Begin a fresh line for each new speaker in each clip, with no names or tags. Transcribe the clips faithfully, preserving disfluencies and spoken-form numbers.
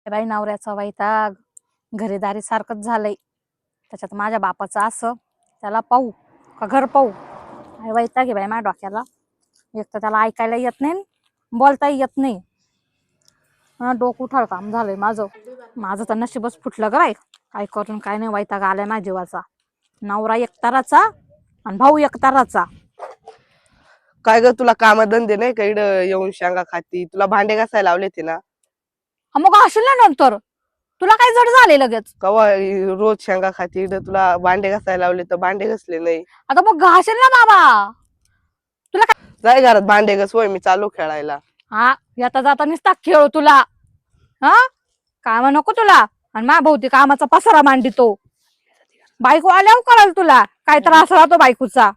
बाई नवऱ्याचा वैताग घरेदारी सारखंच झालंय. त्याच्यात माझ्या बापाचं असं त्याला पाहू का घर पाहू काय वैताग आहे बाई माझ्या डोक्याला. एक तर त्याला ऐकायला येत नाही बोलताही येत नाही. डोकं उठाळ काम झालंय माझं. माझं तर नशीबच फुटलं ग बाई. काय करून काय नाही वैताग आलाय माझ्या जीवाचा. नवरा एकताराचा आणि भाऊ एकताराचा.
काय ग तुला कामधंदे नाही का इकडं येऊन शेंगा खाती? तुला भांडे घासायला लावले ते ना?
मग असेल ना नंतर तुला काय जड झाले लगेच.
कवा रोज शेंगा खाती इकडं तुला भांडे घासायला लावले तर भांडे घासले नाही.
आता मग घासेल ना बाबा. तुला काय
जाय घरात भांडे घास होय मी चालू खेळायला.
हा येता जाता नुसता खेळ तुला. हा काम नको तुला. आणि मा भोवती कामाचा पसारा मांडितो. बायको आल्यावर कराल तुला काय त्रास राहतो बायकोचा.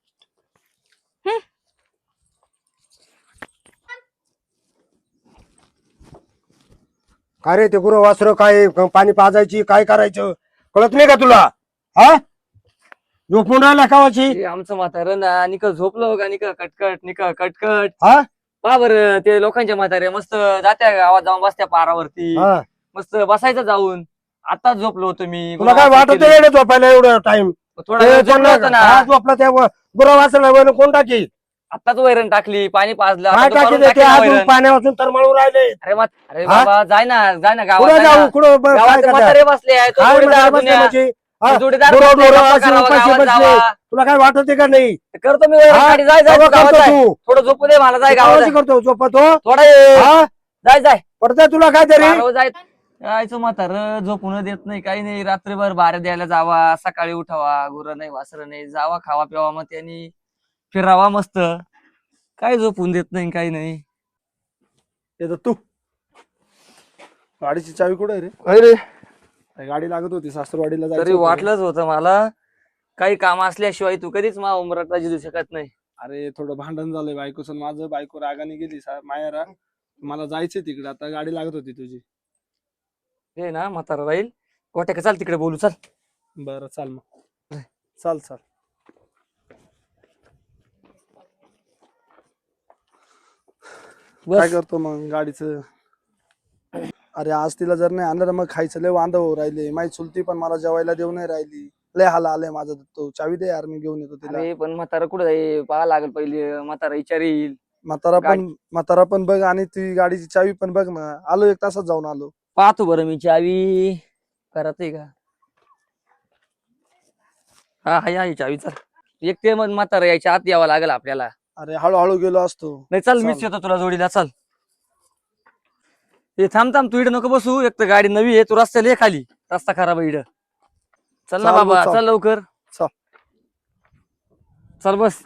काय रे ते गुरु वासर काय पाणी पाजायची काय करायचं कळत नाही का तुला? हा झोपून राहिला कावाची?
आमचं म्हातारं ना निक झोपलो का निक कटकट निक कटकट.
हा
पहा बरं ते लोकांच्या म्हातारे मस्त जात्या गावात जाऊन बसत्या पारावरती.
हा.
मस्त बसायचं जाऊन. आता झोपलो होतो मी.
तुला काय वाटत एवढं झोपायला एवढं टाइम?
थोडा वेळ झोपलो होतो ना.
झोपला त्या गुरु वासरला कोण टाकी?
आताच वैरण टाकली पाणी पाजलं.
काय
आता
टाकी
दुपारून
ते
टाकेल ना
अजून
वैरण.
पाण्यापासून तर मळून राहिले.
अरे मग अरे
हा?
बाबा जाय ना जाय ना गावात
कुठं
जाय
जाऊ
ना.
कुठं ब- काय
गावात
करता?
म्हातारे बसले आहे तो
काय
जोडीदार
म्हातारे बसले
दुनिया.
म्हणजे? हा,
जोडीदार
गुरं-
बसले,
गुरं
गप्पा
अशी
करावं,
उपाशी
गावात
बसले.
जावा.
तुला काय वाटत का नाही?
करतो मी वैरण
हा?
काढी. जाय जाय
तेव्हा
तू गावात
करतो
जाय.
तू.
थोडं झोपू दे मला. जाय गावात
कावाची
जाय.
करतो झोपतो
थोडा ये.
हा
जाय जाय
पडतंय तुला काय तरी?
बारावर जाय. यायचं म्हातार झोपून देत नाही काही नाही. रात्रभर बारा द्यायला जावा सकाळी उठावा. गुरं नाही वासरं नाही. जावा खावा प्यावा मग त्यांनी फिरावा मस्त. काय झोपून देत नाही काही नाही.
येतो तू. गाडीची चावी कुठे आहे रे?
अरे
काय गाडी लागत होती सासरवाडीला
तरी
जायचं होतं रे.
वाटलंच होतं मला. काही काम असल्याशिवाय तू कधीच मा उमरात जिरू शकत नाही.
अरे थोडं भांडण झालंय बायकोचं माझं. बायको रागाने गेली सा- माहेरा. मला जायचंय तिकडे आता. गाडी लागत होती तुझी.
हे ना म्हातारा राहील. गोट्या चाल तिकडे बोलू चाल.
बरं चाल मग. चाल चाल. काय
बस
करतो मग गाडीचं? अरे आज तिला जर नाही आणलं तर मग खायचं लय वांदा हो राहिले. माही चुलती पण मला जेवायला देऊ नाही राहिली. लय हाल आलंय माझं. तो चावी दे यार मी घेऊन येतो तिला.
अरे पण म्हातारा कुठं जाईल पाहा लागल पहिले. म्हातारा विचारील.
म्हातारा
गाडी-
पण म्हातारा पण बघ आणि ती गाडीची चावी पण बघ ना. आलो एक तासात जाऊन आलो.
पाहतो बरं मी चावी करत आहे का. हा हाय हाय चावी चल. एक ते मग म्हातारा यायच्या आत यावं लागेल आपल्याला.
अरे हळूहळू गेलो असतो.
नाही चल
चाल.
मीच येतो तुला जोडीला चल. हे थांब थांब तू इकडे नको बसू. एक तर गाडी नवी आहे. तू रस्त्याला ये खाली. रस्ता खराब आहे इकडं. चल ना
चाल मग,
बाबा
चाल.
चल लवकर.
चल.
चल बस.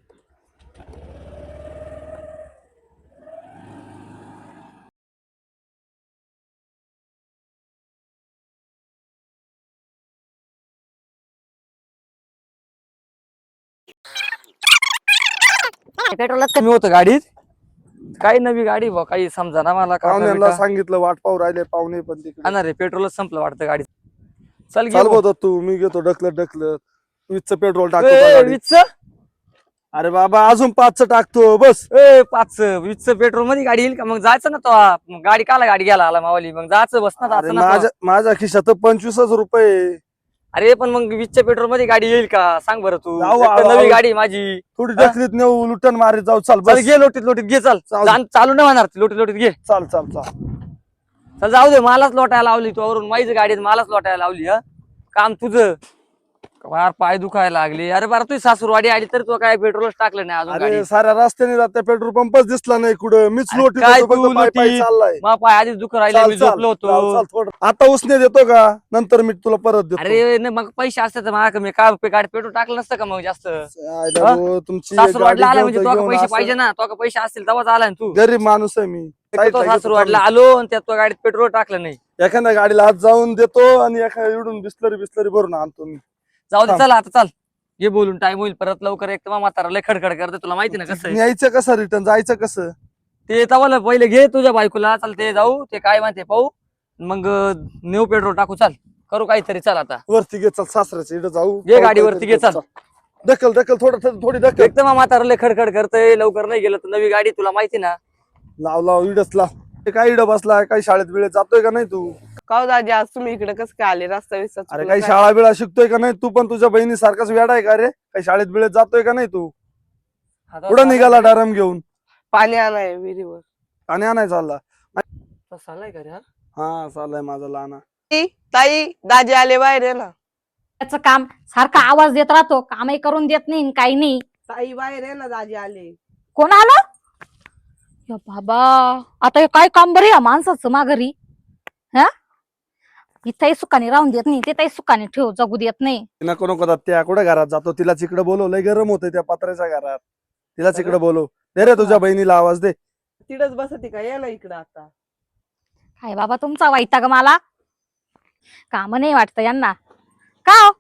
पेट्रोलच
कमी होतं गाडीत. काही नवी गाडी बा काही समजा ना मला.
पाहुण्यांना सांगितलं वाट पाहू राहिले पाहुणे पण तिकडे.
ना रे पेट्रोलच संपलं वाटतं गाडीत. चल
चाल
घेऊ.
बोलतो तू. मी घेतो ढकलत ढकलत. वीसचं पेट्रोल टाकतो
ए,
त्या गाडीत.
वीसचं?
अरे बाबा अजून पाचचं टाकतो बस.
ए पाच वीसचं पेट्रोल मध्ये गाडी येईल का? मग जायचं ना तो. मग गाडी काला गाडी घ्यायला आला मावाली. मग जायचं बस ना
अरे
जायचं ना
माझ्या
तो.
माझ्या खिशात पंचवीसच रुपये.
अरे पण मग वीसच्या पेट्रोल मध्ये गाडी येईल का सांग बरं तू.
जाऊ,
एक तर
आऊ,
नवी
आऊ.
गाडी आहे माझी.
थोडी
हा?
ढकलीत नेऊ लुटन मारीत जाऊ. चाल
चल
बस.
घे लोटीत लोटीत घे चल.
चाल.
जाण- चालू नाही होणार लोटीत लोटीत घे.
चाल चाल चाल.
चल जाऊ दे मलाच लोटायला लावली तू. वरून माझीच गाडी आहे, मलाच लोटायला लावली. हा काम तुझं. फार पाय दुखायला लागले. अरे बरं तुझी सासूरवाडी आली तर तू काय पेट्रोलच टाकलं नाही अजून
अरे
गाडी.
साऱ्या रस्त्याने जाते पेट्रोल पंपच दिसला नाही कुठं. मीच
अरे
लोटीत
काय
होतो, फक्त
तू
पाय पाय
लोटी?
चाललाय.
मग पाय आधीच दुख राहिले.
चाल,
मी
चाल,
झोपलो
चाल, चाल,
होतो.
थोडं. आता उसने देतो का नंतर मी तुला परत देतो.
अरे नाही मग पैसे असते तर मला मी काय गाडी पेट्रोल टाकलं नसतं का मग जास्त.
आयला
हा?
भाऊ, तुमची
सासूरवाडला आला
गाडी
म्हणजे
घेऊन
तुला
घेऊन
पैसे
असं-
पाहिजे ना. तुला पैसे असतील तेव्हाच आला ना तू.
गरीब माणूस आहे मी. साईडला घेतो
सासूरवाडला
चालू.
आलो आणि त्यात तो गाडीत पेट्रोल टाकलं नाही.
एखाद्या गाडीला हात जाऊन देतो आणि एखाद्या इडून बिस्लरी बिस्लरी भरून आणतो मी.
जाऊ दे
थांब.
चल आता चाल. ये बोलून टाइम होईल परत लवकर. एक तर म्हातारा लय खडखड करते तुला माहिती ना कसं आहे.
यायचं कसं रिटर्न जायचं कसं?
ते तवाला पहिले घे तुझ्या बायकोला. चल ते जाऊ ते काय माहिती पाहू. मग नेऊ पेट्रोल टाकू. चाल करू काहीतरी. चल आता
वरती घे चल. सासऱ्याच्या इकडे जाऊ.
घे गाडी वरती घे, चल.
ढकल ढकल थोडं थोडी ढकल.
एक तर म्हातारा लय खडखड करतय. लवकर नाही गेलं तर नवी गाडी तुला माहिती ना.
लाव लाव इडच लाव. ते काय इडं बसलाय, काही शाळेत बिळेत जातोय का नाही तू?
का हो दाजी आज तुम्ही इकडे कसं काय आले रस्ता विस्ता
अरे
चुकलं
काही
काय?
शाळा बिळा शिकतोय का नाही? तू पण तुझ्या बहिणी सारखाच वेडा आहे का रे? काही शाळेत बिळेत जातोय का नाही तू?
आता
कुठं
चालाय
निघाला
का रे?
डारम घेऊन?
पाणी आणाय विहिरीवर.
आणि आणाय चालला?
आता चालाय का रे हा?
हा चाललाय माझा लहाना.
ताई ताई, दाजी आले बाहेर आहे ना.
त्याचं काम सारखा आवाज देत राहतो, कामही करून देत नाही आणि काही नाही.
ताई बाहेर आहे ना, दाजी आले.
कोण आलं? या बाबा, आता हे काय काम बरं या माणसाचं माघारी. हा, इथंही सुखाने राहून देत नाही, तिथंही सुखाने ठेव जगू देत नाही.
नको नको दादा, त्या कुठं घरात जातो? तिला तिकडे बोलव, लय गरम होतंय त्या पत्र्याच्या घरात. तिला तिकडे बोलव. दे रे तुझ्या बहिणीला आवाज दे.
तिडच बसती का? या ना इकडं आता.
काय बाबा तुमचा वैताग मला. काम नाही वाटतं यांना. का हो?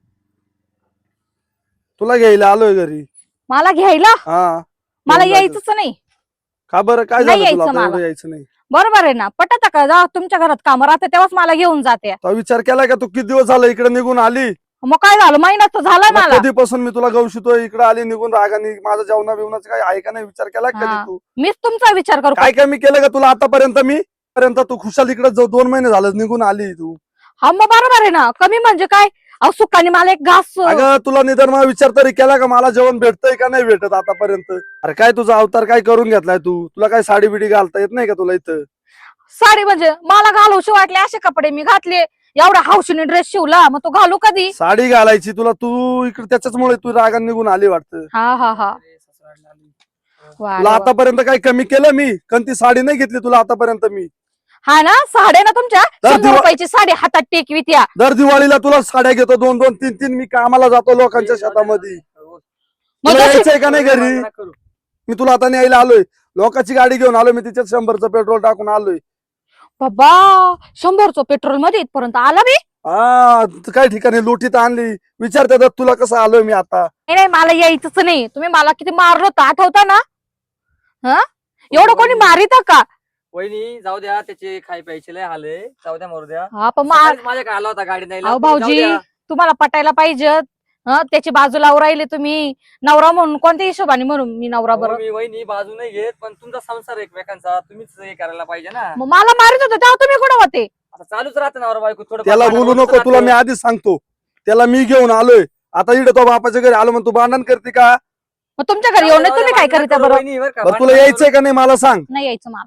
तुला घ्यायला आलोय घरी.
मला घ्यायला?
हा
मला
घेऊन
यायचंच नाही.
का बरं, काय
नाही
झालं तुला?
यायचं
आता एवढं
मला.
यायचं नाही?
बरोबर आहे ना, पटत का? जा तुमच्या घरात काम राहते तेव्हाच मला घेऊन जाते.
तो विचार केलाय का तू किती दिवस झालं इकडे निघून आली?
मग काय झालं, महिना तर झालाय
मग
मला.
कधीपासून मी तुला गवशितोय, इकडे आली निघून रागानी. माझं जेवणा बिवणाचं काय आहे का नाही विचार केला का कधी
हा.
तू?
मीच तुमचा विचार करू का?
काय काय मी केलं का तुला आतापर्यंत? मी पर्यंत तू खुशाल इकडे जाऊ, दोन महिने झालं निघून आली तू.
हा मग बरोबर आहे ना, कमी म्हणजे काय? अहो सुखाने मला एक घास.
अगं तुला निदान मला विचार तरी केला का मला जेवण भेटतंय का नाही भेटत आतापर्यंत? अरे काय तुझा अवतार काय करून घेतलाय तू? तुला काय साडी बिडी घालता येत नाही का तुला इथं?
साडी म्हणजे मला घालूशी वाटले असे कपडे मी घातले. एवढा हौशीने ड्रेस शिवला, मग तो घालू कधी?
साडी घालायची तुला, तू इकडे त्याच्याचमुळे तू रागान निघून आली वाटतं.
हा हा हा
अरे, सासरवाडीला आली.
वा
तुला
वा.
आतापर्यंत काही कमी केलं मी? कोणती साडी नाही घेतली तुला आतापर्यंत मी?
हा ना, साड्या ना तुमच्या
तर
शंभर
दिवा-
रुपयाची साडी हातात टेकवी त्या.
दर दिवाळीला तुला साड्या घेतो दोन दोन तीन तीन. मी कामाला जातो लोकांच्या शेतामध्ये.
मग
तुला
जशी-
यायचंय का नाही घरी?
भांडणं करू.
मी तुला आता न्यायला आलोय. लोकांची गाडी घेऊन आलोय मी, तिच्यात शंभरचं पेट्रोल टाकून आलोय.
बाबा, शंभरचं पेट्रोल मध्ये इथपर्यंत आला मी.
हा काही ठिकाणी लुटीत आणली. विचार त्याच्यात तुला कसं आलोय मी आता.
नाही नाही, मला यायचंच नाही. तुम्ही मला किती मारलं होतं आठवता ना? हा, एवढं कोणी मारित का?
वहिनी जाऊ द्या, त्याचे खाय प्यायचे लय हाल आहे. जाऊ द्या मरू द्या.
हा पण मार.
सकाळीच माझ्या आला होता गाडी नाही
अहो भाऊजी, तुम्हाला पटायला पाहिजे. हं, त्याची बाजू लावून राहिले तुम्ही. नवरा म्हणून कोणत्या हिशोबाने म्हणून मी नवरा बरं?
मी वहिनी बाजू नाही घेत, पण तुमचा संसार एकमेकांचा तुम्हीच हे करायला पाहिजे ना.
मग मला मारित होते तेव्हा तुम्ही कुठं होते?
आता चालूच राहतं नवरा बायको थोडं.
त्याला बोलू नको, तुला मी आधीच सांगतो. त्याला मी घेऊन आलोय. आता इकडे तो बापाच्या घरी आलो म्हणून तू भांडण करते का?
मग तुमच्या घरी येऊन तुम्ही काय करीता बरं?
बरं तुला यायचंय का नाही मला सांग.
नाही यायचं मला.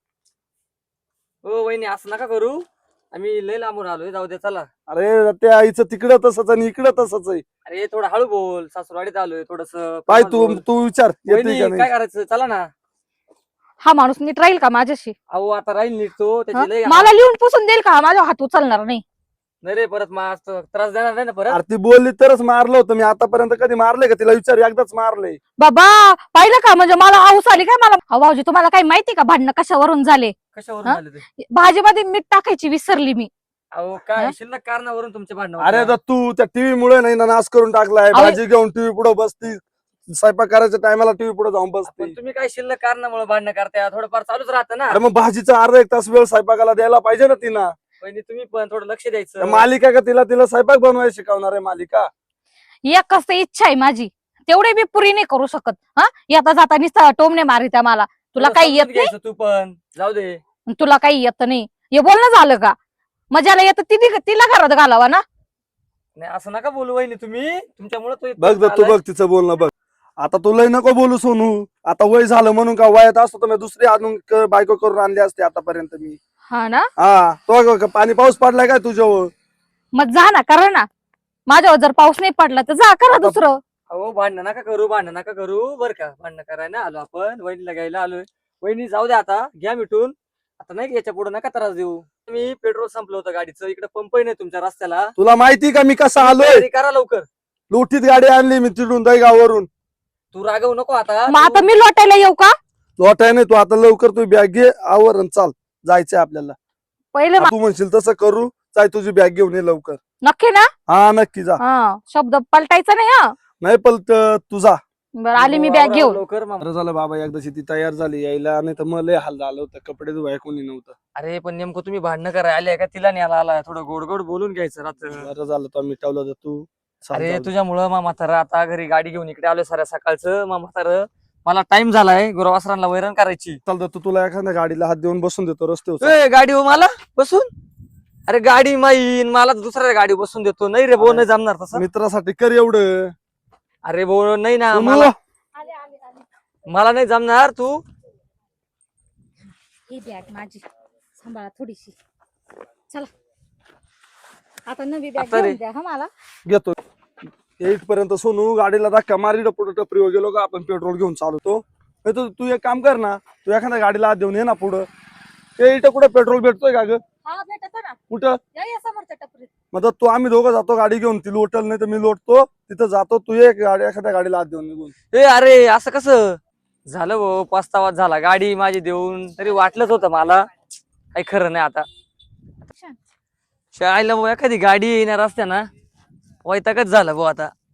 हो वहिनी, असं नका करू. आम्ही लय लांबून आलोय. जाऊ दे चला.
अरे त्या आईचं तिकडं तसंच आणि इकडं तसंच आहे.
अरे थोडं हळू बोल. सासूरवाडीत आलोय थोडस.
पाय तू तू विचार येते का
काय
नाही.
करायचं? चला ना.
हा माणूस नीट राहील का माझ्याशी?
अहो आता राहील नीट तो.
हं?
त्याची लय
मला लिहून पुसून देईल का? माझ्या हात उचलणार नाही.
नाही रे, परत मा त्रास देणार नाही ना परत.
अरे ती बोलली तरच मारलं होतं मी. आतापर्यंत कधी मारले का तिला? विचार, एकदाच मारले.
बाबा पाहिलं का? म्हणजे मला आऊस आली काय? मला अहो भाऊजी, तुम्हाला काही माहिती का भांडणं कशावरून झाले?
कशावरून
हं?
झाले ते?
भाजीमध्ये मीठ टाकायची विसरली मी.
अहो काय
हं?
शिल्लक कारणावरून तुमचे भांडण
अरे तर तू त्या टीव्ही मुळे नाही ना नाश करून टाकलाय.
अहो,
भाजी घेऊन टीव्ही पुढे बसती. स्वयंपाक करायच्या टायमाला टीव्ही पुढे जाऊन बसते.
पण तुम्ही काय शिल्लक कारणामुळे भांडणं करताय? थोडंफार चालूच राहतं ना.
अरे मग भाजीचा अर्धा एक तास वेळ स्वयंपाकाला द्यायला पाहिजे ना तिला.
वहिनी तुम्ही पण थोडं लक्ष द्यायचं.
त्या मालिका का तिला तिला स्वयंपाक बनवायला शिकवणार आहे मालिका?
एकच तर इच्छा आहे माझी, तेवढे मी पुरी नाही करू शकत. हा, येता जाता नुसतं टोमणे मारित्या मला. तुला
थोडं
काही
समजून
येत नाही?
घ्यायचं तू पण. जाऊ दे.
तुला काही येत नाही, हे बोलणं झालं का? मजाला येतं तिने तिला घरात घालावा ना.
नाही असं नका बोलू वहिनी तुम्ही. तुमच्यामुळे तो
बघ
इथपर्यंत
बघ तू
आलाय.
बघ तिचं बोलणं बघ. आता तू लय नको बोलू सोनू. आता वय झालं म्हणून का? वयात असतो तर मी दुसरी आणून क- बायको करून आणली असते आतापर्यंत मी.
हा ना,
हा तो ग- पाणी पाऊस पडलाय काय तुझ्यावर?
मग जा ना, करा ना. माझ्यावर जर पाऊस नाही पडला तर जा करा दुसरं.
अहो भांडणं नका करू, भांडणं नका करू बरं का. भांडणं करायला आलो आपण. वहिनीला घ्यायला आलोय. वहिनी जाऊ द्या आता, घ्या मिटून. आता नाही याच्या पुढे नका त्रास देऊ. मी पेट्रोल संपलं होतं गाडीचं. इकडे पंपही नाही तुमच्या रस्त्याला.
तुला माहिती का मी कसा आलोय?
तयारी करा लवकर.
लुटीत गाडी आणली मी तिकडून दहीगाववरून.
तू रागवू नको आता.
मग आता
तू-
मी लोटायला येऊ का?
लोटाय नाही तू आता. लवकर तू बॅग घे आवर आणि चाल. जायचंय आपल्याला.
पहिले मा-
तू म्हणशील तसं करू. जाय तुझी बॅग घेऊन ये लवकर.
नक्की ना?
हा नक्की जा.
हा, शब्द पलटायचा नाही. हा
नाही पलत तुझा.
बरं, आली मी बॅग
आवरा
घेऊन.
लवकर मामा.
बरं झालं बाबा एकदाची ती तयार झाली यायला. नाही तर मग लय हाल झालं होतं. कपडे धुवाय कोणी नव्हतं.
अरे पण नेमकं तुम्ही भांडणं करायला आले का तिला न्यायला आलाय? थोडं गोड गोड बोलून घ्यायचं रात्र.
बरं झालं तो मिटवलं तर तू. चाल,
अरे
चाल.
तुझ्यामुळं मा म्हातारा आता घरी गाडी घेऊन इकडे आलोय साऱ्या सकाळचं. मा म्हातारं मला टाइम झालाय गुरुवासरांना वैरण करायची.
चल दत्तू तुला एखाद्या गाडीला हात देऊन बसून देतो रस्त्यावर.
ए, गाडी हो मला बसून. अरे गाडी माईन मला दुसऱ्या गाडी बसून देतो. नाही रे भाऊ, नाही जमणार तसं.
मित्रासाठी कर एवढं.
अरे भाऊ नाही ना,
सोनू,
मला मला नाही जमणार. तू
ही बॅग माझी सांभाळा थोडीशी. चला आता नवी बॅग
आता रे.
घेऊन द्या हा मला.
घेतो एट पर्यंत. सोनू गाडीला धक्का मारी पुढे टपरीवर गेलो का आपण पेट्रोल घेऊन चालवतो. नाही तर तू एक काम कर ना, तू एखाद्या गाडीला हात देऊन ये ना पुढं. ते इथं कुठं पेट्रोल भेटतोय का ग?
हा भेटतो ना,
कुठं?
या या समोरच्या टपरीत.
मग तू आम्ही दोघं जातो गाडी घेऊन. ती लोटल नाही तर मी लोटतो तिथं जातो. तू एक गाडी एखाद्या गाडीला हात देऊन निघून.
ए अरे असं कसं झालं भाऊ? पस्तावा झाला. गाडी माझी देऊन तरी वाटलंच होतं मला. काही खरं नाही आता. शाळेला भाऊ एखादी गाडी येणार असते ना, वैतागच झालं भाऊ आता.